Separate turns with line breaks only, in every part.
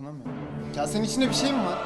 dokunamıyorum. Kasenin içinde bir şey mi var?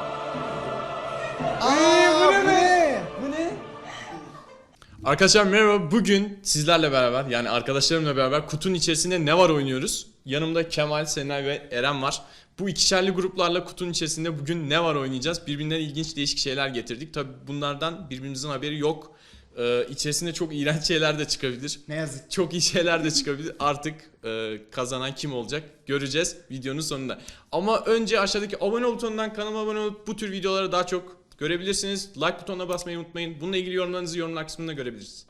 Bu ne? Bu ne? Arkadaşlar merhaba. Bugün sizlerle beraber, yani arkadaşlarımla beraber kutunun içerisinde ne var oynuyoruz. Yanımda Kemal, Senay ve Eren var. Bu ikişerli gruplarla kutunun içerisinde bugün ne var oynayacağız. Birbirinden ilginç değişik şeyler getirdik. Tabi bunlardan birbirimizin haberi yok. İçerisinde çok iğrenç şeyler de çıkabilir.
Ne yazık.
Çok iyi şeyler de çıkabilir. Artık kazanan kim olacak göreceğiz videonun sonunda. Ama önce aşağıdaki abone ol butonundan kanalıma abone olup bu tür videoları daha çok görebilirsiniz. Like butonuna basmayı unutmayın. Bununla ilgili yorumlarınızı yorumlar kısmında görebiliriz.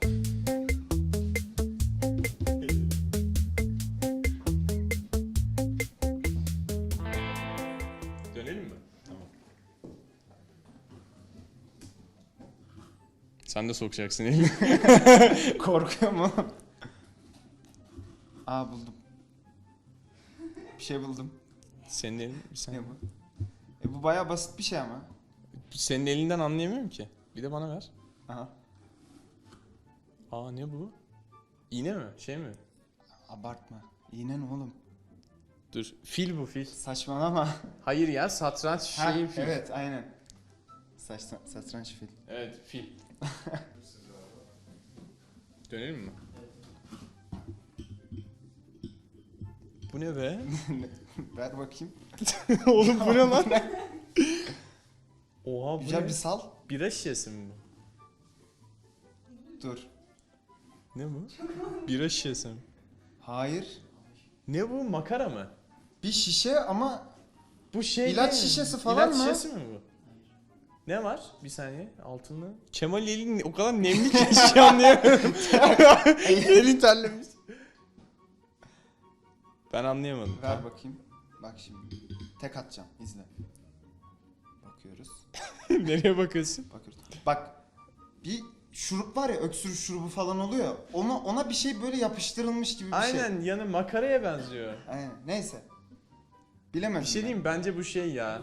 Dönelim mi? Tamam. Sen de sokacaksın elini.
Korkuyor mu? Buldum. Bir şey buldum.
Senin elin,
Ne bu? Bu bayağı basit bir şey ama.
senin elinden anlayamıyorum ki. Bir de bana ver.
Aha.
Ne bu? İğne mi? Şey mi?
Abartma. İğne ne oğlum?
Dur. Fil bu, fil.
Saçmalama.
Hayır ya, satranç şeyi fil.
Evet aynen. Satranç fil.
Evet, fil. Dönelim mi? Bu ne be?
Ver bakayım.
Oğlum bu ne lan? Oha, bu
Güzel
ne?
bir sal.
Bira şişesi mi bu?
Dur.
Ne bu? Bira şişesi mi?
Hayır.
Ne bu? Makara mı?
Bir şişe ama
Bu şey
İlaç
değil mi?
şişesi falan
İlaç
mı?
şişesi mi bu? Ne var? Bir saniye. Altında. Kemal elin o kadar nemli ki hiç şey anlayamıyorum. Elin terlemiş. Ben anlayamadım.
ver bakayım. Bak şimdi. Tek atacağım. İzle. Bakıyoruz.
Nereye bakıyorsun?
Bakıyoruz. Bak. Bir şurup var ya, öksürük şurubu falan oluyor. Ona bir şey böyle yapıştırılmış gibi bir şey.
Aynen, yanı makaraya benziyor.
Aynen. Neyse. Bilemedim.
Bir şey
ben.
diyeyim, bence bu şey ya.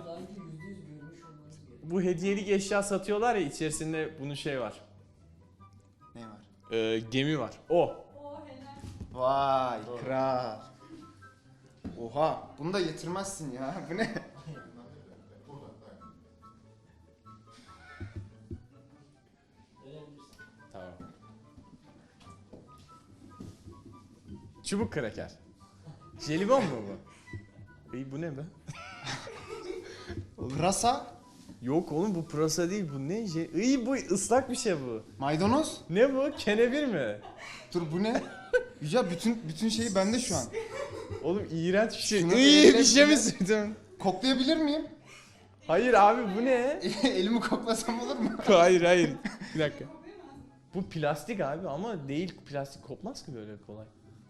Bu hediyelik eşya satıyorlar ya, içerisinde bunun şey var.
Ne var?
Gemi var. O.
Vay kral. Oha. Bunu da getirmezsin ya. Bu ne?
Tamam. Çubuk kraker. Jelibon mu bu? İyi, bu ne be?
Pırasa.
Yok oğlum, bu pırasa değil, bu ne? İyi, bu ıslak bir şey bu.
Maydanoz.
Ne bu? Kenevir mi?
Dur bu ne? Yüce bütün şeyi bende şu an.
Oğlum iğrenç bir şey.
Şunu
İyi
elle
bir şey mi
bile-
sürdün?
Koklayabilir miyim?
Hayır abi, bu ne?
Elimi koklasam olur mu?
Hayır. Bir dakika. Bu plastik abi, ama değil, plastik kopmaz ki böyle kolay.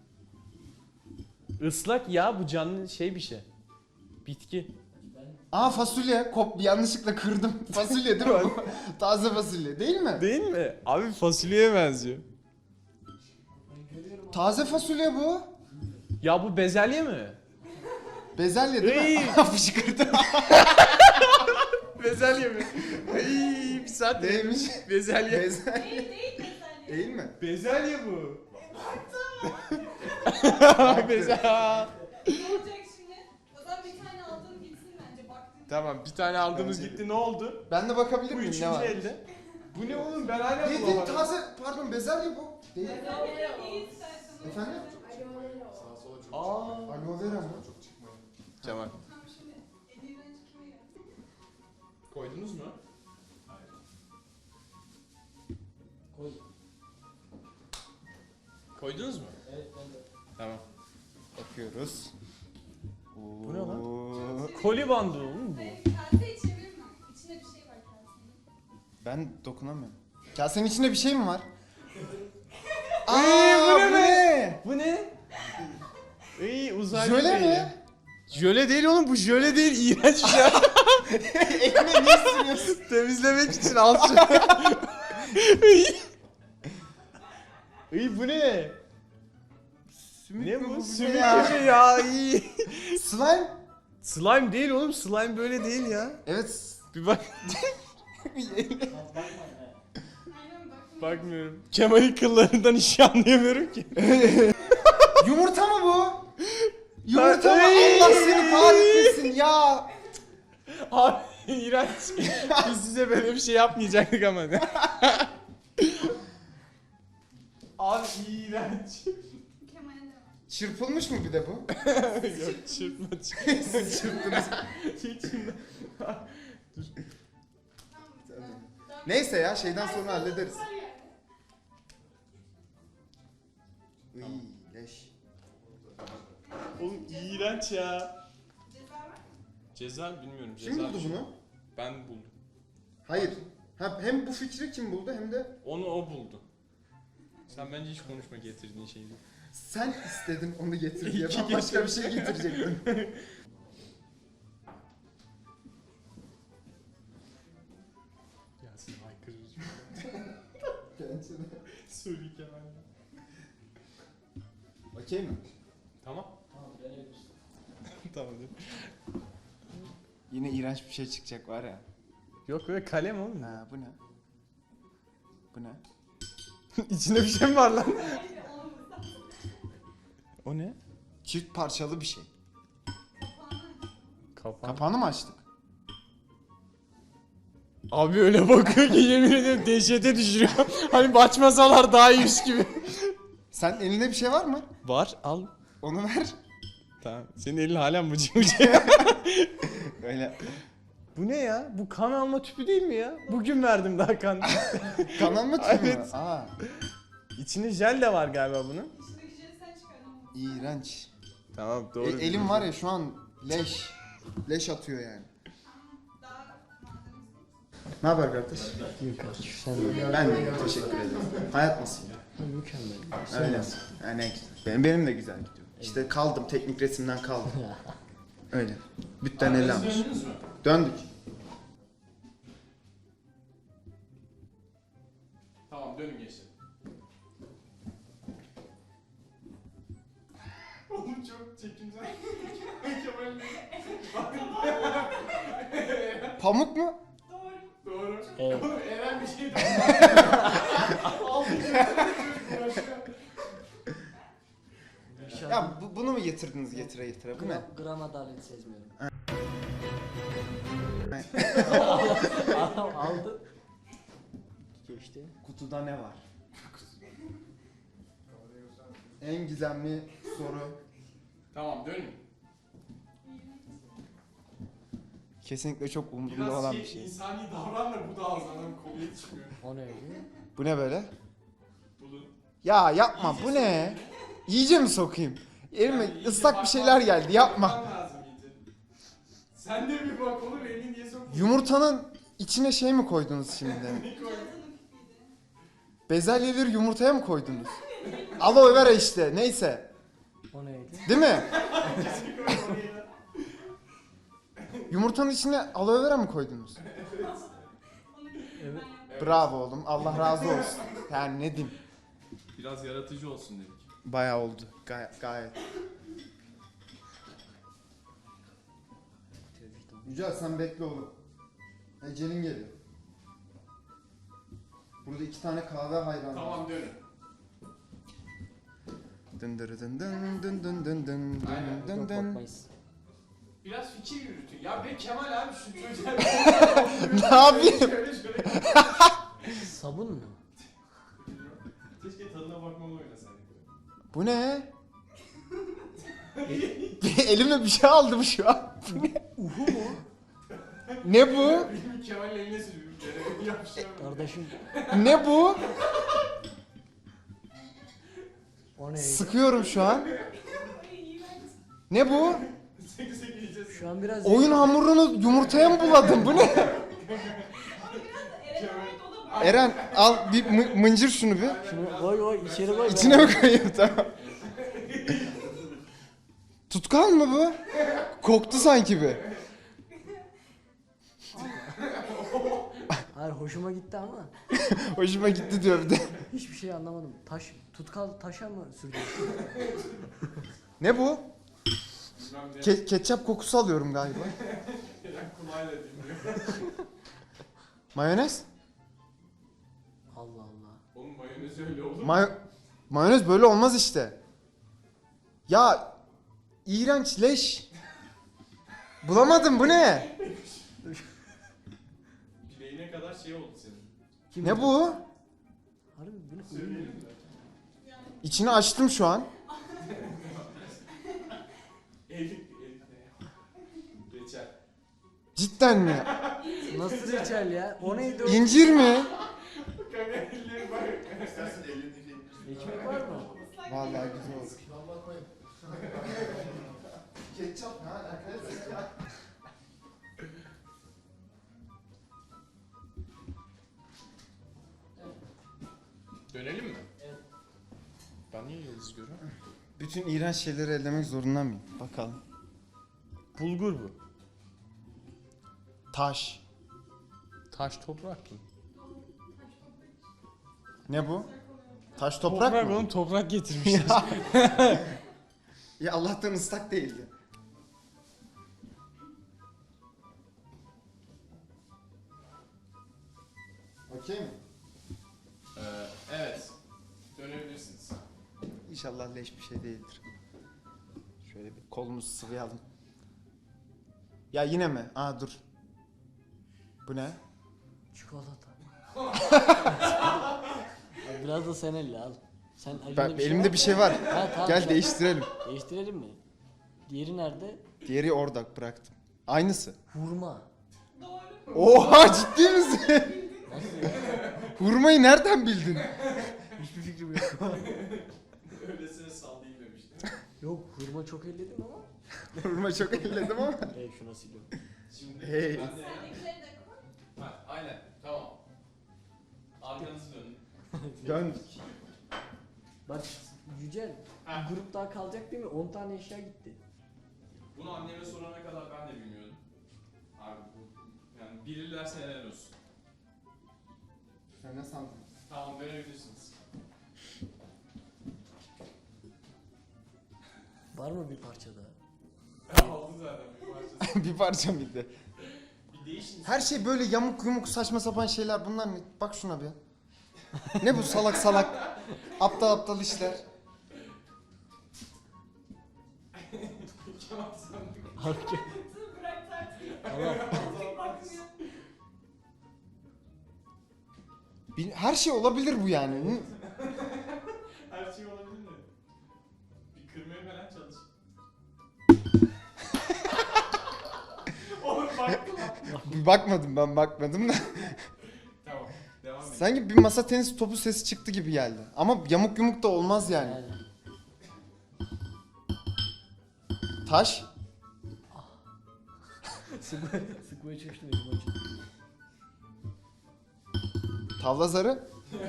Islak ya, bu canlı şey bir şey. Bitki.
Fasulye. Yanlışlıkla kırdım. Fasulye değil mi bu? Taze fasulye değil mi?
Değil mi? Abi fasulyeye benziyor.
Taze fasulye bu.
Ya bu bezelye mi?
Bezelye değil
Iy.
mi? Fışkırdı.
Bezelye mi? Ay, bir saat
Neymiş?
Bezelye.
Bezelye. Değil mi?
Bezelye bu. Bezelye.
Ne olacak şimdi? O zaman bir tane aldığım gitsin bence baktığım.
Tamam, bir tane aldığımız
Bence de.
gitti, ne oldu?
Ben de bakabilir
Bu
miyim
üçüncü
ne var?
elde. Bu ne oğlum, ben hala
Değil
bulamadım.
taze. Pardon bezelye bu. Değil.
İyi istersen.
Efendim? Aloe vera mı?
Cemal.
Tamam şimdi elinden kime geldi?
Koydunuz mu? Koydunuz mu?
Evet, ben de.
Tamam.
Bakıyoruz.
Bu ne lan?
Oo.
Koli bandı oğlum bu.
Kaseyi çevirme. İçinde bir şey var kasenin.
Ben dokunamıyorum. Kasenin içinde bir şey mi var?
bu ne
bu
be?
ne?
Bu ne? İyi, uzaylı
Jöle
değil.
mi?
Jöle değil oğlum, bu jöle değil, iğrenç bir şey.
Eline niye sürüyorsun?
Temizlemek için al şunu. İyi, bu ne?
Sümük
Ne
mü
bu?
ne
Sümük
ya?
gibi ya, iyi.
Slime?
Slime değil oğlum, slime böyle değil ya.
Evet.
Bir bak.
Aynen bak.
Bakmıyorum. Kemal'in kıllarından hiç şey anlayamıyorum ki.
Yumurta mı bu? Yumurta mı?
Ay!
Allah seni kahretmesin ya.
Abi iğrenç. Biz size böyle bir şey yapmayacaktık ama. Abi iğrenç.
Kemal'e de var.
Çırpılmış mı bir de bu?
Yok çırpma.
Siz çırptınız.
Tamam.
Neyse ya şeyden sonra hallederiz.
Var yani.
Iy leş.
Oğlum iğrenç ya.
Ceza var.
Ceza bilmiyorum.
Kim
Ceza
buldu bunu?
Ben buldum.
Hayır. Hem bu fikri kim buldu hem de
Onu o buldu. Sen bence hiç konuşma getirdiğin şeyi.
sen istedin onu getir diye.
İki
Ben başka bir şey getirecektim.
Gelsin haykırır. Söyle Kemal.
Okey mi?
Tamam. Tamam.
Yine iğrenç bir şey çıkacak var ya.
Yok böyle kalem oğlum.
Ha bu ne? Bu ne?
İçinde bir şey mi var lan?
Hayır olmaz.
O ne?
Çift parçalı bir şey.
Kapan.
Kapağını mı açtık?
Abi öyle bakıyor ki yemin ediyorum dehşete düşürüyor. Hani açmasalar daha iyiymiş gibi.
Sen elinde bir şey var mı?
Var al.
Onu ver.
Tamam. Senin elin halen bıcı bıcı.
Öyle.
Bu ne ya? Bu kan alma tüpü değil mi ya? Bugün verdim daha kan.
Kanal mı tüy mü?
Evet.
Aa.
İçinde jel de var galiba bunun.
İçindeki jeli sen çıkardın.
İğrenç.
Tamam doğru.
Elim var ya şu an leş. Leş atıyor yani.
Daha malzemesi.
Ne haber kardeş?
İyi kardeşim sen de.
Ben de teşekkür ederim. Hayat nasıl?
Mükemmel.
Öyle. Yani benim de güzel gidiyor. İşte kaldım teknik resimden kaldım. Öyle. Bütten ele almış.
Döndünüz mü?
Döndük.
Tamam dönün gençler. Oğlum çok çekimsel.
Pamuk mu?
Doğru.
Doğru.
Evet.
Oğlum Eren bir şey
Ya bunu mu getirdiniz getire getire? Bu ne?
Gram adalet sezmiyorum.
Ay.
Aldı. Geçti.
Kutuda ne var? En gizemli soru.
Tamam dönün.
Kesinlikle çok umurumda
Biraz
olan bir şey.
insani davran da bu da ağzından kolye çıkmıyor.
O neydi?
Bu ne böyle?
Bulun.
Ya yapma bu ne? İyice mi sokayım? Elime ıslak bir şeyler geldi yapma.
Lazım iyice. Sen de bir bak oğlum elini niye sokuyorsun?
Yumurtanın içine şey mi koydunuz şimdi?
Cihazının pipiydi.
Bezelyeleri yumurtaya mı koydunuz? Aloe vera işte neyse.
O neydi?
Değil mi? Yumurtanın içine aloe vera mı koydunuz?
Onu
Evet.
Bravo oğlum. Allah razı olsun. Yani ne diyeyim?
Biraz yaratıcı olsun dedik.
Bayağı oldu. Gayet. Yücel sen bekle oğlum. Ecelin geliyor. Burada 2 tane kahve hayranı var.
Tamam dönün.
Dın dırı dın dın dın dın dın dın
Aynen.
dın
Yok
dın.
bakmayız.
Biraz fikir yürütün. Ya be Kemal abi şu çocuğa...
Ne yapayım?
Şöyle.
Sabun mu?
Keşke tadına bakmalı oynasaydık.
Bu ne? Elime bir şey aldım şu an. Bu ne?
Uhu mu?
Ne bu?
Benim Kemal'in eline sürüyorum. Kerem'in yapıştıramadım.
Kardeşim
Ne bu?
o neydi?
Sıkıyorum şu an.
iğrenç.
Ne bu?
Seki seki yiyeceğiz.
Şu an biraz
Oyun hamurunu yumurtaya mı buladın? Bu ne?
Ama biraz da Eren'e ait olabilir.
Eren al bir mıncır şunu bir.
şunu koy içeri koy.
İçine mi koyayım tamam. Tutkal mı bu? Koktu sanki bir.
Hayır hoşuma gitti ama
Hoşuma gitti diyor bir de.
hiçbir şey anlamadım. Tutkal taşa mı sürdü?
Ne bu?
Bilmem ne.
Ketçap kokusu alıyorum galiba.
Kerem kulağıyla dinliyor.
Mayonez?
Allah Allah.
Oğlum mayonez öyle olur mu?
Mayonez böyle olmaz işte. Ya iğrenç leş. Bulamadım bu ne?
hemen şey oldu senin.
Kim
Ne bu?
Harbi bu ne? Oyun mu?
İçini açtım şu an.
Erik ne? Reçel.
Cidden mi?
Nasıl reçel ya? O neydi o?
İncir mi?
Kanka elleri bak.
Ekmek var mı?
Vallahi güzel oldu. Ketçap ne alakası ya?
Dönelim mi? Evet. Ben niye yıldız görüyorum?
Bütün iğrenç şeyleri ellemek zorunda mıyım? Bakalım.
Bulgur bu.
Taş.
Taş toprak mı?
Ne bu? Taş toprak mı?
oğlum toprak getirmişler.
Ya Allah'tan ıslak değildi. Okey mi?
Evet. Dönebilirsiniz.
İnşallah leş bir şey değildir. Şöyle bir kolumuzu sıvayalım. Ya yine mi? Aa dur. Bu ne?
Çikolata. Abi biraz da sen elle al. Sen elinde
Ben,
bir şey
elimde
var
bir
mı?
şey var.
Ha, tamam,
Gel
şu an-
değiştirelim.
Değiştirelim mi? Diğeri nerede?
Diğeri orada bıraktım. Aynısı.
Hurma.
Doğru.
Oha ciddi misin?
Nasıl ya?
Hurmayı nereden bildin?
Hiçbir fikrim yok.
Öylesine sallayayım demiştim.
Yok hurma çok elledim ama.
Hurma çok elledim ama.
Şuna siliyorum.
Şimdi
Hey.
ben de...
Sendekileri de koy.
Ha, aynen. Tamam. Arkanızı dönün.
Dön.
Bak Yücel,
Ha.
bir grup daha kalacak değil mi? 10 tane eşya gitti.
Bunu anneme sorana kadar ben de bilmiyordum. Abi bu... Yani bilirlerse helal olsun.
Sen ne sandın?
Tamam dönebilirsiniz.
Var mı bir parça daha?
Aldı zaten bir parçası.
Bir parça mıydı?
Bir değişin.
Her şey böyle yamuk yumuk saçma sapan şeyler bunlar ne? Bak şuna bir. Ne bu salak salak aptal aptal işler.
Kemal sandık.
Harika.
Bırak tartıyı.
Allah.
Artık bakmıyor.
Her şey olabilir bu yani.
Her şey olabilir mi? Bir kırmaya falan çalış. Oğlum baktım.
Bakmadım ben bakmadım da.
Tamam. Devam edin.
Sanki bir masa tenisi topu sesi çıktı gibi geldi. Ama yamuk yumuk da olmaz yani.
Yani.
Taş.
Sıkmaya çalıştım elim acıdı.
Tavla zarı.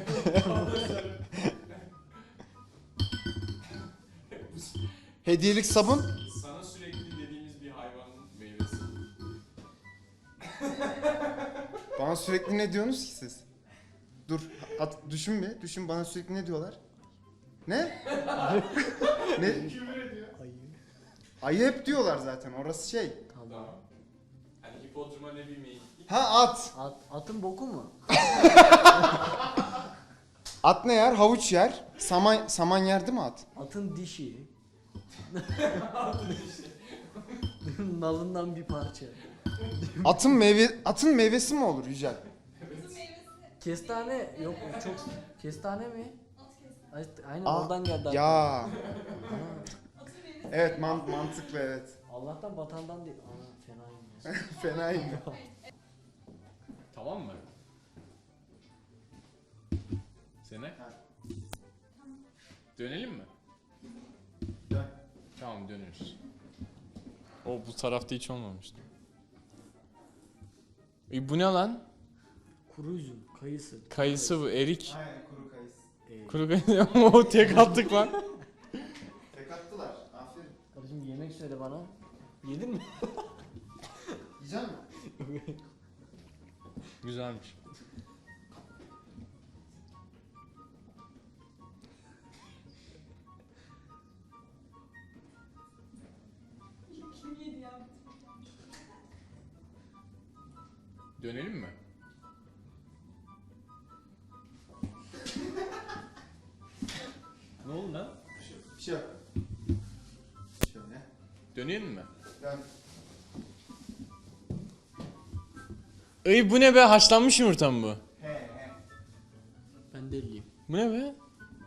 Hediyelik sabun.
Sana sürekli dediğimiz bir hayvanın meyvesi.
Bana sürekli ne diyorsunuz ki siz? Dur, düşün bir. Düşün bana sürekli ne diyorlar? Ne? Ne?
Küfür ediyor.
Ayı.
Ayı hep diyorlar zaten. Orası şey.
Tamam.
Tamam. Hani hipodroma ne bilmeyin.
Ha at.
Atın boku mu?
At ne yer? Havuç yer. Saman yer değil mi at?
Atın dişi. Nalından bir parça.
Atın meyvesi mi olur Yücel?
Kızın meyvesi.
Kestane yok çok kestane mi?
At kesti.
Aynen
Aa,
oradan geldi.
Ya.
Ana,
Atın meyvesi.
Evet mantıklı evet.
Allah'tan vatandan değil. Ana fenayım ya.
Fenayım.
Tamam mı? Sene? Dönelim mi?
Dön.
Tamam dönüyoruz. O bu tarafta hiç olmamıştı. Bu ne lan?
Kuru üzüm, kayısı.
Kayısı bu, erik.
Aynen kuru kayısı.
Kuru kayısı. O tek attık lan.
Tek attılar. Aferin.
Kardeşim yemek söyle bana. Yedin mi?
Yiyecek misin?
Güzelmiş.
Kim yedi ya?
Dönelim mi? Ne oldu lan?
Bir şey yok. Şöyle.
Dönelim mi?
Dön.
Ay bu ne be, haşlanmış yumurta mı bu?
He he.
Ben de 50'yim.
Bu ne be?
Eren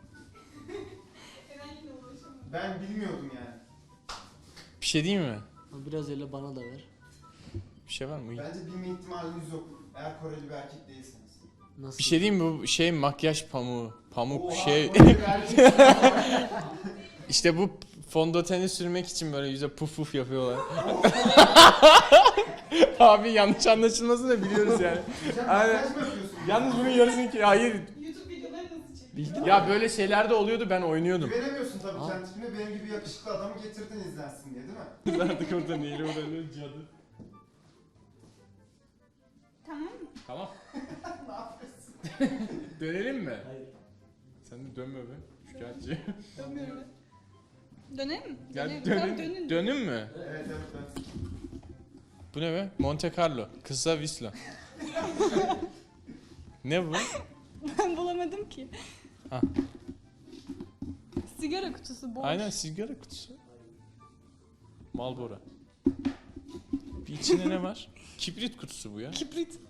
yine ulaşamadı.
Ben bilmiyordum yani.
Bir şey diyeyim mi?
Ama biraz öyle bana da ver.
Bir şey var mı?
Bence bilme ihtimaliniz yok. Eğer Koreli bir erkek değilseniz.
Nasıl?
Bir şey diyeyim mi? Bu şey makyaj pamuğu. Pamuk
Oha,
şey.
Koreli bir erkek.
İşte bu fondöteni sürmek için böyle yüze puf puf yapıyorlar. Abi yanlış anlaşılmasını da biliyoruz yani.
Sen
Aynen.
makyaj mı yapıyorsun?
Yalnız bunun yarısını ki hayır.
YouTube videoları nasıl çekiyor?
Bildin mi?
Ya böyle şeyler de oluyordu, ben oynuyordum.
Güvenemiyorsun tabii
Aa.
kendi tipine. Benim gibi yakışıklı adamı getirdin izlensin diye değil mi?
Artık orada neyle uğranıyor cadı.
Tamam mı?
Tamam.
Ne yapıyorsun?
Dönelim mi?
Hayır.
Sen de dönme be. Şikayetçi.
Dönmüyorum. Dönelim mi?
Ya
Dönelim. Tamam,
dönün. Dönün mü?
Evet evet.
Bu ne be? Monte Carlo. Kısa Visla. Ne bu?
Ben bulamadım ki.
Ha.
Sigara kutusu boş.
Aynen sigara kutusu. Marlboro. Bir içinde ne var? Kibrit kutusu bu ya.
Kibrit.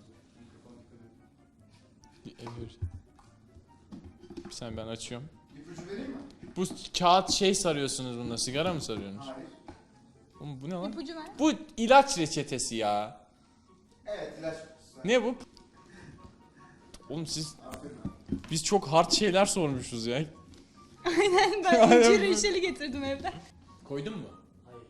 Bir saniye ben açıyorum.
İpucu vereyim mi?
Bu kağıt şey sarıyorsunuz bunda. Sigara mı sarıyorsunuz?
Hayır.
Oğlum bu ne lan?
İpucu ver.
Bu ilaç reçetesi ya.
Evet ilaç kutusu.
Ne bu? Oğlum siz,
Aferin.
biz çok hard şeyler sormuşuz ya.
Aynen, ben
Aynen.
incir reçeli getirdim evden.
Koydun mu?
Hayır.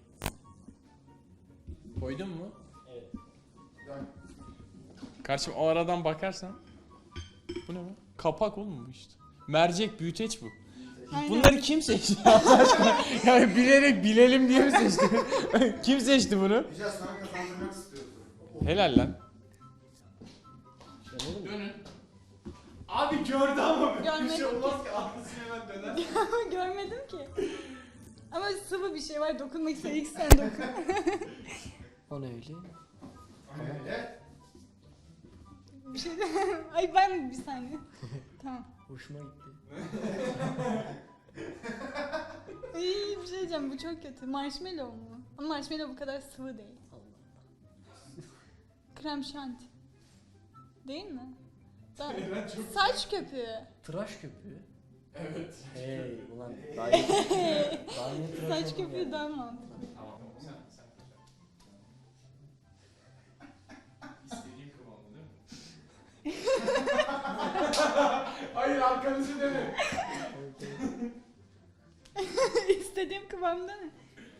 Koydun mu?
Evet.
Yani
Kardeşim o aradan bakarsan. Bu ne bu? Kapak oğlum bu işte. Mercek büyüteç bu.
Aynen.
Bunları kim seçti Allah aşkına? Yani bilerek bilelim diye mi seçti? Kim seçti bunu?
güzel sana kazandırmak istiyordu.
Helal lan.
Ben oğlum.
Dönün. Abi gördü ama
Görmedim ki.
ki arkasını hemen döner.
Görmedim ki. Ama sıvı bir şey var, dokunmak istiyor. İlk sen dokun.
O ne öyle?
Evet.
Bir şey de... Ay ben bir saniye. Tamam.
Hoşuma gitti.
İyi bir şey diyeceğim, bu çok kötü. Marshmallow mu? Ama marshmallow bu kadar sıvı değil.
Allah.
Krem şanti. Değil mi? Saç köpüğü.
Tıraş köpüğü.
Evet.
Hey ulan. Daha yeni tıraş
Saç
oldum
köpüğü
ya.
daha mantıklı.
Tamam. Sen. İstediğim kıvamda değil mi? Hayır arkanızı dönün.
İstediğim kıvamda ne?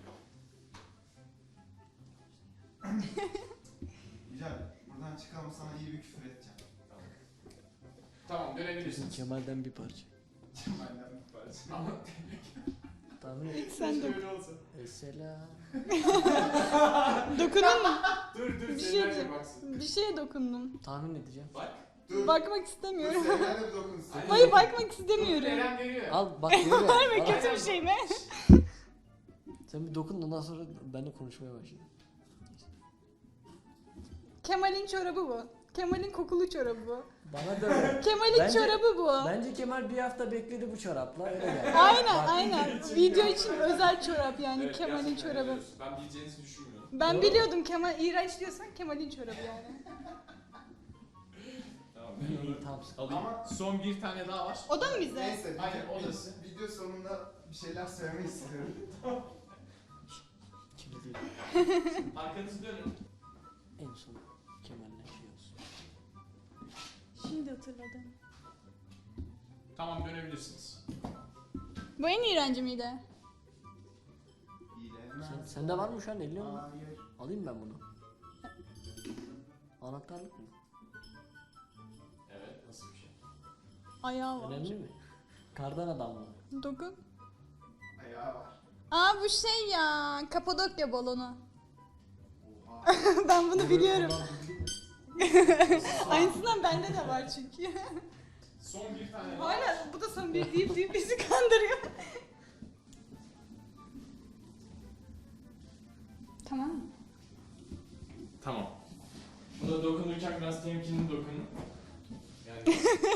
Güzel. Buradan çıkalım sana iyi bir küfür edeceğim.
Tamam
Kesin
dönebilirsiniz.
Kemal'den bir parça.
Benden bir parça.
Ama
Tahmin et.
Sen dokun.
öyle olsa.
Selam.
Dokundun mu?
Dur
Bir şey
Selena'ya
diyeceğim.
baksın.
Bir şeye dokundum.
Tahmin edeceğim.
Bak.
Dur.
Bakmak
Dur
istemiyorum.
Selena'ya bir dokunsun.
Aynen.
Hayır, bakmak istemiyorum.
Eren veriyor.
Al bak görüyor musun?
Verme,
Al.
kötü bir şey mi?
Sen bir dokun ondan sonra benimle konuşmaya başla.
Kemal'in çorabı bu. Kemal'in kokulu çorabı bu.
Bana da öyle.
Kemal'in
Bence-
çorabı bu.
Bence Kemal bir hafta bekledi bu çorapla öyle geldi.
Aynen
Bak,
aynen. Video için özel çorap yani
Evet,
Kemal'in
gerçekten
çorabı.
veriyoruz. Ben bileceğinizi düşünmüyorum.
Ben
Doğru.
biliyordum Kemal iğrenç diyorsan Kemal'in çorabı yani.
Tamam.
İyi iyi tamam.
Alayım.
Ama-
Son bir tane daha var.
O da mı bize?
Neyse.
Aynen, odası.
Video sonunda bir şeyler söylemek istiyorum.
Kirli değil.
Arkanızı dönün.
En son Kemal'le şey olsun.
Şimdi hatırladım.
Tamam dönebilirsiniz.
Bu en iğrenci miydi?
Sende var mı şu an 50 mi?
Hayır.
Alayım ben bunu. Anahtarlık mı?
Evet nasıl bir şey?
Ayağı var.
Önemli mi? Kardan adam mı?
Dokun.
Ayağı var.
Aa bu şey ya. Kapadokya balonu.
Oha.
Ben bunu biliyorum.
Ulan bildin mi?
Aynısından bende de var çünkü.
Son bir tane daha.
Hala bu da son bir deyip bizi kandırıyor. Tamam mı?
Tamam. Buna dokunurken biraz temkinli dokunun. Yani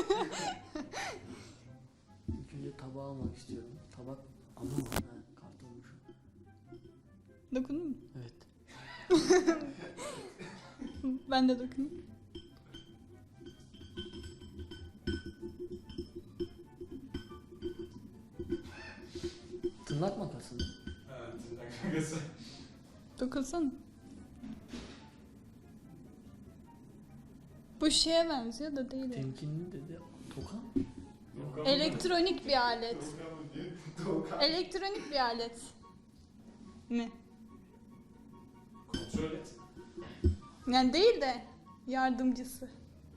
İlk önce tabağı almak istiyorum. Tabak aldım mı? Ha, kart olmuş.
Dokundun mu?
Evet.
Ben de dokundum.
Tırnak makası mı?
Evet, tırnak makası.
Dokunsana. Bu şeye benziyor da değil.
Temkinli dedi. Toka mı?
Elektronik bir alet. Elektronik bir alet. Ne?
Kontrol et.
Yani değil de yardımcısı.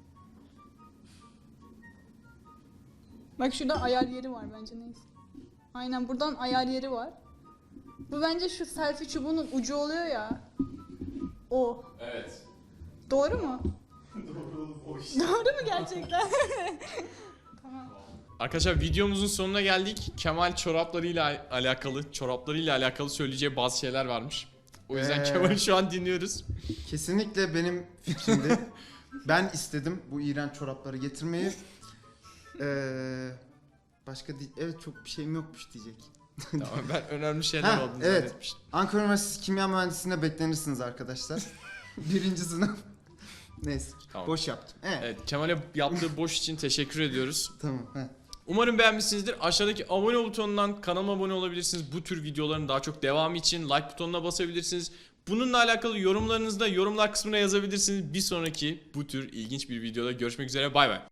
Bak şurada ayar yeri var bence, neyse. Aynen, buradan ayar yeri var. Bu bence şu selfie çubuğunun ucu oluyor ya. O.
Evet.
Doğru mu?
Doğru oğlum, o işte.
Doğru mu gerçekten? Tamam.
Arkadaşlar videomuzun sonuna geldik. Kemal çoraplarıyla alakalı söyleyeceği bazı şeyler varmış. O yüzden Kemal'i şu an dinliyoruz.
Kesinlikle benim fikrimdi. Ben istedim bu iğrenç çorapları getirmeyi. Evet, çok bir şeyim yokmuş diyecek.
Tamam, ben önemli şeyler
Ha,
olduğunu
evet.
zannetmiştim.
Ankara Üniversitesi Kimya Mühendisliğine beklenirsiniz arkadaşlar. 1. sınıf. Neyse,
Tamam.
boş yaptım. Evet.
Evet, Kemal'e yaptığı boş için teşekkür ediyoruz.
Tamam.
Umarım beğenmişsinizdir. Aşağıdaki abone butonundan kanalıma abone olabilirsiniz. Bu tür videoların daha çok devamı için like butonuna basabilirsiniz. Bununla alakalı yorumlarınızı da yorumlar kısmına yazabilirsiniz. Bir sonraki bu tür ilginç bir videoda görüşmek üzere. Bay bay.